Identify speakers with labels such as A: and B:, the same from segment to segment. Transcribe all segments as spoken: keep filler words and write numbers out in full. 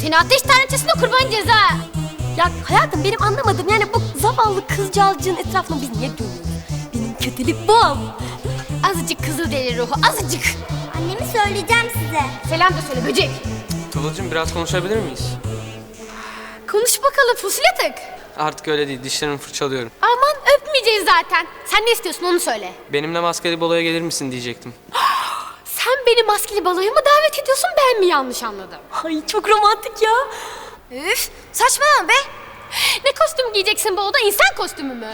A: Seni ateş tanrıçasına kurban ceza.
B: Ya hayatım benim anlamadım yani bu zavallı kızcağızcığın etrafına biz niye dönüyoruz? Benim kötülük bu.
A: Azıcık kızıl deli ruhu, azıcık.
C: Annemi söyleyeceğim size.
A: Selam da söyle böcek.
D: Tuğulcuğum biraz konuşabilir miyiz?
A: Konuş bakalım fusletık.
D: Artık öyle değil, dişlerimi fırçalıyorum.
A: Aman öpmeyeceğiz zaten. Sen ne istiyorsun onu söyle.
D: Benimle maskeli baloya gelir misin diyecektim.
A: Sen beni maskeli baloya mı davet ediyorsun, ben mi yanlış anladım?
B: Ay çok romantik ya.
A: Üf, saçmalama be. Ne kostüm giyeceksin bu oda, insan kostümü mü?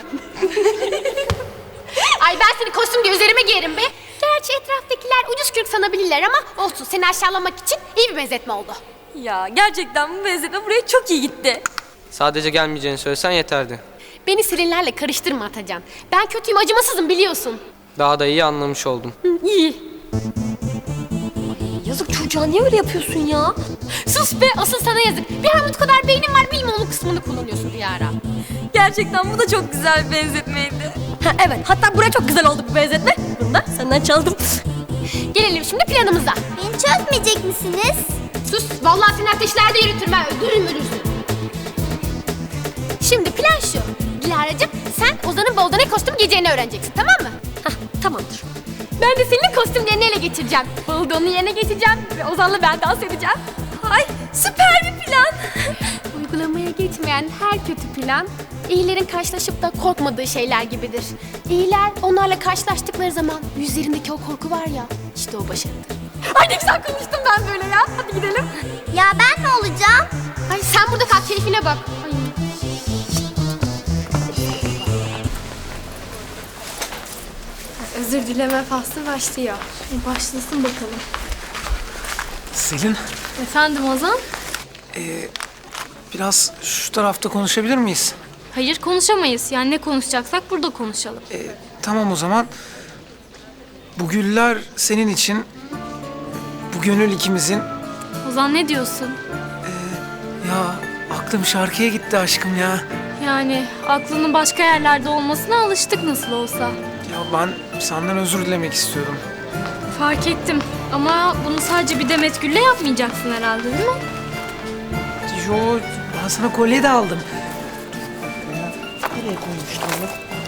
A: Ay ben seni kostüm diye üzerime giyerim be. Gerçi etraftakiler ucuz kürk sanabilirler ama olsun, seni aşağılamak için iyi bir benzetme oldu.
B: Ya gerçekten bu benzetme buraya çok iyi gitti.
D: Sadece gelmeyeceğini söylesen yeterdi.
A: Beni Selinlerle karıştırma Atacan. Ben kötüyüm, acımasızım biliyorsun.
D: Daha da iyi anlamış oldum.
A: Hı, iyi.
B: Yazık çocuğa niye öyle yapıyorsun ya?
A: Sus be, asıl sana yazık. Bir armut kadar beynin var, bilme onun kısmını kullanıyorsun bir ara.
B: Gerçekten bu da çok güzel bir benzetmeydi. Ha, evet hatta buraya çok güzel oldu bu benzetme. Bunu da senden çaldım.
A: Gelelim şimdi planımıza.
C: Beni çözmeyecek misiniz?
A: Sus, vallahi seni ateşlerde yürütürüm ha, öldürürüm ölürsün. Şimdi plan şu. Dilara'cığım sen Ozan'ın balda ne kostüm giyeceğini öğreneceksin, tamam mı?
B: Hah tamamdır.
A: Ben de senin kostümlerini ele geçireceğim. Balda onun yerine geçeceğim ve Ozan'la ben dans edeceğim.
B: Ay süper bir plan.
A: Uygulamaya geçmeyen her kötü plan, iyilerin karşılaşıp da korkmadığı şeyler gibidir. İyiler onlarla karşılaştıkları zaman yüzlerindeki o korku var ya, işte o başarıdır. Ay ne güzel konuştum ben böyle ya. Hadi gidelim.
C: Ya ben ne olacağım?
A: Ay sen burada kal, keyfine bak. Ay.
E: Özür dileme faslı başlıyor. E, başlasın bakalım.
F: Selin,
E: Efendim Ozan?
F: biraz şu tarafta konuşabilir miyiz?
E: Hayır konuşamayız. Yani ne konuşacaksak burada konuşalım.
F: Ee, tamam o zaman. Bu güller senin için, bu gönül ikimizin.
E: Ozan ne diyorsun?
F: Ya aklım şarkıya gitti aşkım ya.
E: Yani aklının başka yerlerde olmasına alıştık nasıl olsa.
F: Ya ben senden özür dilemek istiyorum.
E: Fark ettim. Ama bunu sadece bir Demet Gül'le yapmayacaksın herhalde değil mi?
F: Yo, ben sana kolye de aldım. Nereye koymuştum onu?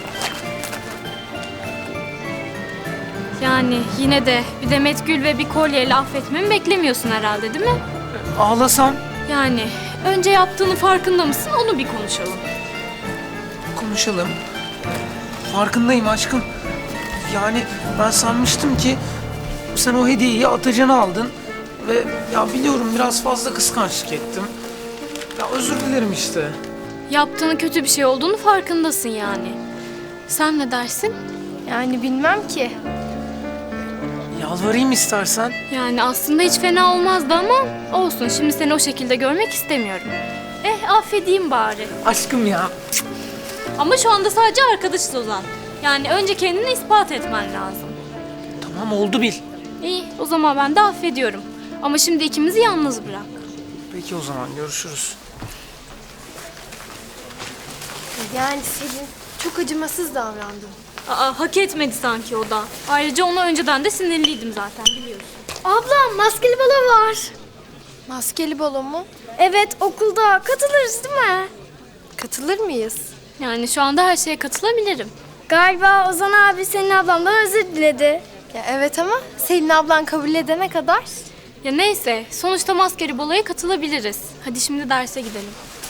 E: Yani yine de bir Demet Gül ve bir kolyeyle affetmemi beklemiyorsun herhalde değil mi?
F: Ağlasam
E: Yani önce yaptığının farkında mısın onu bir konuşalım.
F: konuşalım. Farkındayım aşkım. Yani ben sanmıştım ki sen o hediyeyi Atacan'a aldın. Ve ya biliyorum biraz fazla kıskançlık ettim. Ya özür dilerim işte.
E: Yaptığının kötü bir şey olduğunu farkındasın yani. Sen ne dersin?
B: Yani bilmem ki.
F: Yalvarayım istersen.
E: Yani aslında hiç fena olmazdı ama olsun. Şimdi seni o şekilde görmek istemiyorum. Eh affedeyim bari.
F: Aşkım ya.
E: Ama şu anda sadece arkadaşız Ozan. Yani önce kendini ispat etmen lazım.
F: Tamam oldu bil.
E: İyi o zaman ben de affediyorum. Ama şimdi ikimizi yalnız bırak.
F: Peki o zaman görüşürüz.
B: Yani Selin çok acımasız davrandın.
E: Aa hak etmedi sanki o da. Ayrıca ona önceden de sinirliydim zaten biliyorsun.
B: Abla maskeli balo var. Maskeli balo mu? Evet okulda katılırız değil mi? Katılır mıyız?
E: Yani şu anda her şeye katılabilirim.
G: Galiba Ozan abi senin ablamdan özür diledi.
B: Ya evet ama Selin ablan kabul edene kadar.
E: Ya neyse sonuçta maskeli baloya katılabiliriz. Hadi şimdi derse gidelim.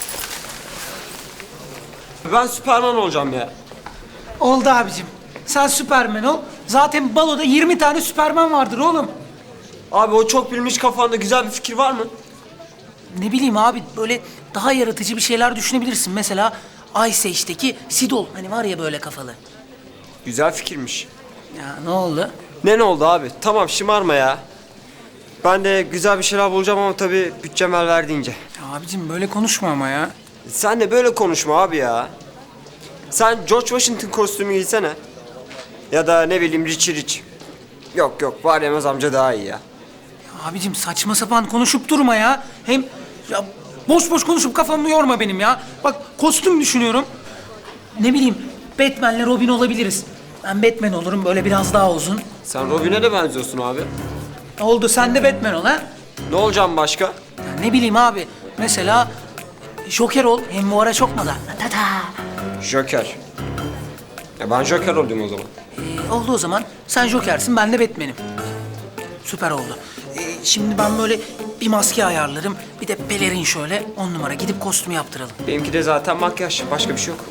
H: Ben Süperman olacağım ya.
F: Oldu abicim. Sen Süpermen ol. Zaten baloda yirmi tane Süpermen vardır oğlum.
H: Abi o çok bilmiş kafanda güzel bir fikir var mı?
F: Ne bileyim abi böyle daha yaratıcı bir şeyler düşünebilirsin. Mesela Ice Age'deki Sidol. Hani var ya böyle kafalı.
H: Güzel fikirmiş.
F: Ya ne oldu?
H: Ne ne oldu abi? Tamam şımarma ya. Ben de güzel bir şeyler bulacağım ama tabii bütçem el verdiğince.
F: Ya abicim böyle konuşma ama ya.
H: Sen de böyle konuşma abi ya. Sen George Washington kostümü giysene. Ya da ne bileyim Richie Rich. Yok yok var yemez amca daha iyi ya.
F: Ya abicim saçma sapan konuşup durma ya. Hem ya boş boş konuşup kafamı yorma benim ya. Bak kostüm düşünüyorum. Ne bileyim Batman'le Robin olabiliriz. Ben Batman olurum böyle biraz daha uzun.
H: Sen Robin'e de benziyorsun abi.
F: Oldu sen de Batman ol ha.
H: Ne olacağım başka?
F: Ya ne bileyim abi Mesela Joker ol. Hem bu ara çok moda. Ta ta.
H: Joker. E ben Joker oldum o zaman.
F: Ee, oldu o zaman. Sen Joker'sin, ben de Batman'im. Süper oldu. Ee, şimdi ben böyle bir maske ayarlarım. Bir de pelerin şöyle on numara. Gidip kostümü yaptıralım.
H: Benimki de zaten makyaj. Başka bir şey yok.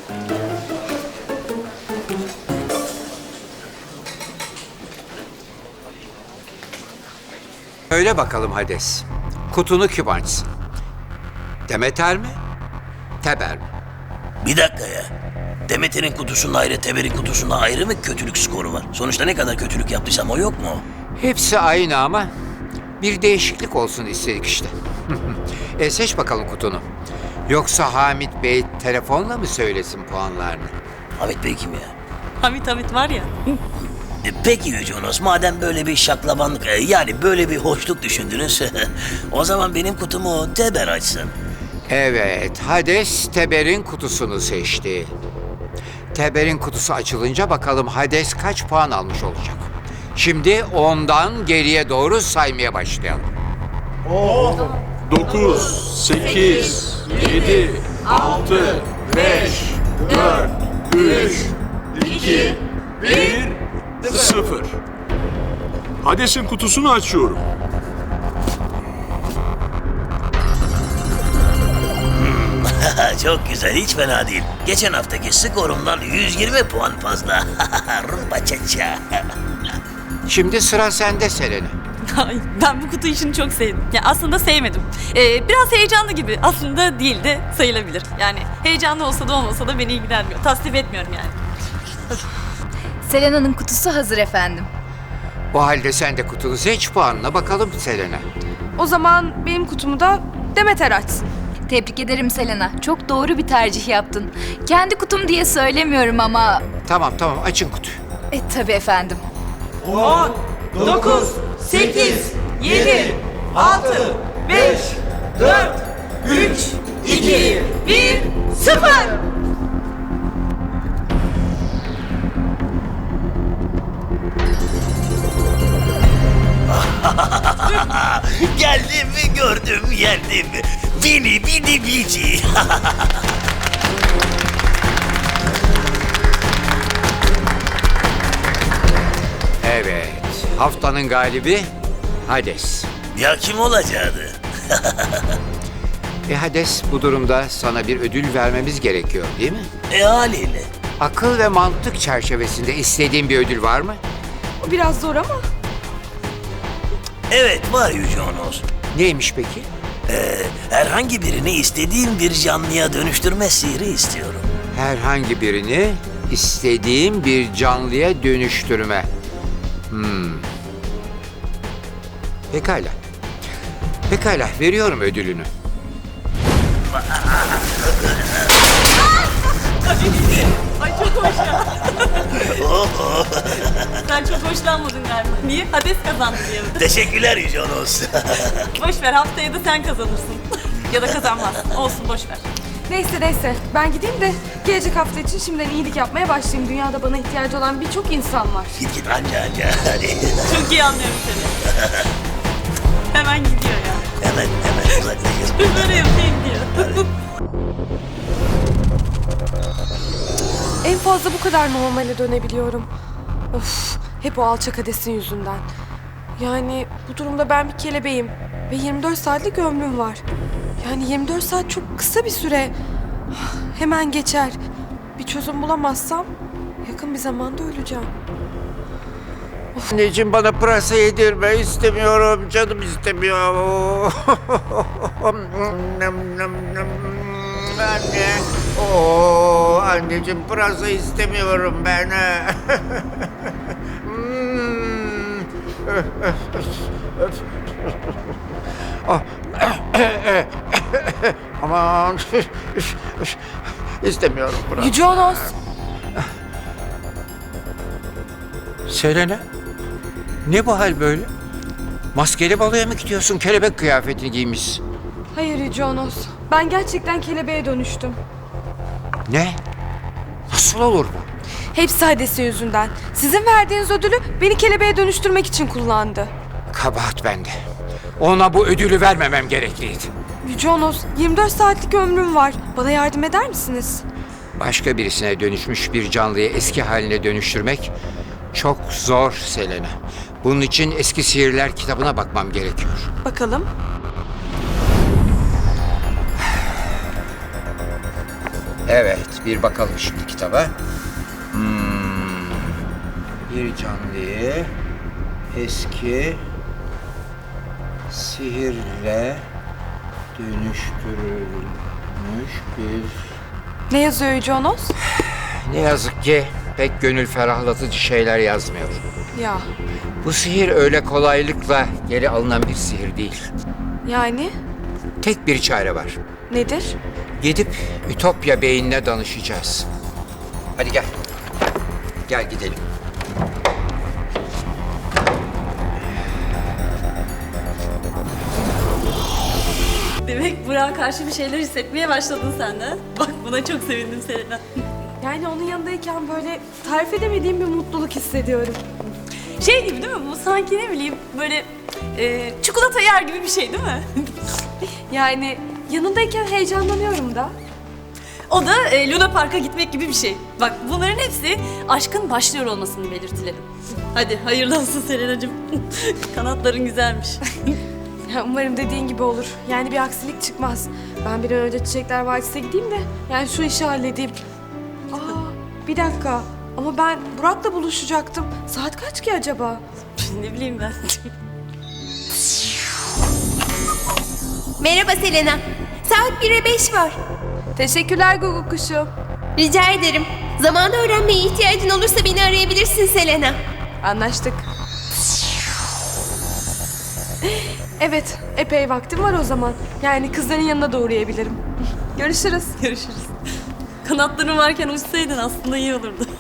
I: Öyle bakalım Hades. Kutunu kim açsın? Demeter mi? Teber mi?
J: Bir dakika ya. Demeter'in kutusunda ayrı, Teber'in kutusunda ayrı mı kötülük skoru var? Sonuçta ne kadar kötülük yaptıysam o yok mu?
I: Hepsi aynı ama bir değişiklik olsun istedik işte. e seç bakalım kutunu. Yoksa Hamit Bey telefonla mı söylesin puanlarını?
J: Hamit Bey kim ya?
K: Hamit Hamit var ya.
J: E, peki Yüce Onos, madem böyle bir şaklabanlık, e, yani böyle bir hoşluk düşündünüz, o zaman benim kutumu Teber açsın.
I: Evet, Hades Teber'in kutusunu seçti. Teber'in kutusu açılınca bakalım Hades kaç puan almış olacak. Şimdi ondan geriye doğru saymaya başlayalım.
L: dokuz, sekiz, yedi, altı, beş, dört, üç, iki, bir, sıfır. Hades'in kutusunu açıyorum.
J: Çok güzel, hiç fena değil. Geçen haftaki skorumdan yüz yirmi puan fazla. Rumba çaça.
I: Şimdi sıra sende Selena.
K: Ay, ben bu kutu işini çok sevdim. Ya aslında sevmedim. Ee, biraz heyecanlı gibi. Aslında değil de sayılabilir. Yani heyecanlı olsa da olmasa da beni ilgilenmiyor. Tasvip etmiyorum yani.
B: Selena'nın kutusu hazır efendim.
I: O halde sen de kutunu seç, puanına bakalım Selena.
G: O zaman benim kutumu da Demeter açsın.
B: Tebrik ederim Selena. Çok doğru bir tercih yaptın. Kendi kutum diye söylemiyorum ama...
I: Tamam tamam, açın kutuyu.
B: E tabii efendim.
K: on, dokuz, sekiz, yedi, altı, beş, dört, üç, iki, bir, sıfır.
J: Geldim mi gördüm yendim. Bini bini bici.
I: Evet, haftanın galibi Hades.
J: Ya kim olacaktı?
I: E Hades, bu durumda sana bir ödül vermemiz gerekiyor değil mi?
J: E haliyle.
I: Akıl ve mantık çerçevesinde istediğin bir ödül var mı?
G: O biraz zor ama.
J: Evet var Yüce Onos.
I: Neymiş peki?
J: Ee, herhangi birini istediğim bir canlıya dönüştürme sihri istiyorum.
I: Herhangi birini istediğim bir canlıya dönüştürme. Hmm. Pekala. Pekala, veriyorum ödülünü.
K: Ay çok hoş ya. Sen çok hoşlanmadın galiba. Niye? Hades kazandı diye mi?
J: Teşekkürler Yüce Onos.
K: Boş ver, haftaya da sen kazanırsın. Ya da kazanmazsın. Olsun, boş ver.
G: Neyse neyse ben gideyim de gelecek hafta için şimdiden iyilik yapmaya başlayayım. Dünyada bana ihtiyacı olan birçok insan var.
J: Git git anca anca hadi.
K: Çok iyi anlıyorum seni. Hemen gidiyor ya.
J: Hemen hemen uzaklaşır.
K: Böyle yapayım diyor.
G: En fazla bu kadar normale dönebiliyorum. Of, hep o alçak Hades'in yüzünden. Yani bu durumda ben bir kelebeğim ve yirmi dört saatlik ömrüm var. Yani yirmi dört saat çok kısa bir süre. Hemen geçer. Bir çözüm bulamazsam yakın bir zamanda öleceğim.
I: Anneciğim, bana pırasa yedirme, istemiyorum, canım istemiyor. Anne. Oo, anneciğim, pırasa istemiyorum ben. Aman. İstemiyorum pırasa.
G: Yüce Onos.
I: Selena, ne bu hal böyle? Maskeli baloya mı gidiyorsun? Kelebek kıyafetini giymişsin.
G: Hayır Yüce Onos. Ben gerçekten kelebeğe dönüştüm.
I: Ne? Nasıl olur bu?
G: Hepsi Hades'in yüzünden. Sizin verdiğiniz ödülü beni kelebeğe dönüştürmek için kullandı.
I: Kabahat bende. Ona bu ödülü vermemem gerekliydi.
G: Yüce Onos, yirmi dört saatlik ömrüm var. Bana yardım eder misiniz?
I: Başka birisine dönüşmüş bir canlıyı eski haline dönüştürmek çok zor Selena. Bunun için eski sihirler kitabına bakmam gerekiyor.
G: Bakalım.
I: Evet, bir bakalım şimdi kitaba. Hmm, bir canlıyı eski sihirle dönüştürülmüş bir...
G: Ne yazıyor Yüce Onos?
I: Ne yazık ki pek gönül ferahlatıcı şeyler yazmıyor.
G: Ya,
I: Bu sihir öyle kolaylıkla geri alınan bir sihir değil.
G: yani
I: Tek bir çare var.
G: nedir?
I: Gidip Ütopya Bey'inle danışacağız. Hadi gel. Gel gidelim.
K: Demek Burak'a karşı bir şeyler hissetmeye başladın sen de. Bak buna çok sevindim Selena.
G: Yani onun yanındayken böyle tarif edemediğim bir mutluluk hissediyorum.
K: Şey gibi değil mi? Bu sanki ne bileyim böyle e, çikolata yer gibi bir şey değil mi?
G: Yani yanındayken heyecanlanıyorum da.
K: O da e, Luna Park'a gitmek gibi bir şey. Bak bunların hepsi aşkın başlıyor olmasını belirtilerim. Hadi hayırlı olsun Selena'cığım. Kanatların güzelmiş.
G: Ya umarım dediğin gibi olur. Yani bir aksilik çıkmaz. Ben bir an önce Çiçekler Vadisi'ne gideyim de yani şu işi halledeyim. Aa, bir dakika. Ama ben Burak'la buluşacaktım. Saat kaç ki acaba?
K: Ne bileyim ben.
B: Merhaba Selena. Saat bire beş var.
G: Teşekkürler Gugu kuşu.
B: Rica ederim. Zamanı öğrenmeye ihtiyacın olursa beni arayabilirsin Selena.
G: Anlaştık. Evet, epey vaktim var o zaman. Yani kızların yanına da uğrayabilirim. Görüşürüz.
K: Görüşürüz. Kanatların varken uçsaydın aslında iyi olurdu.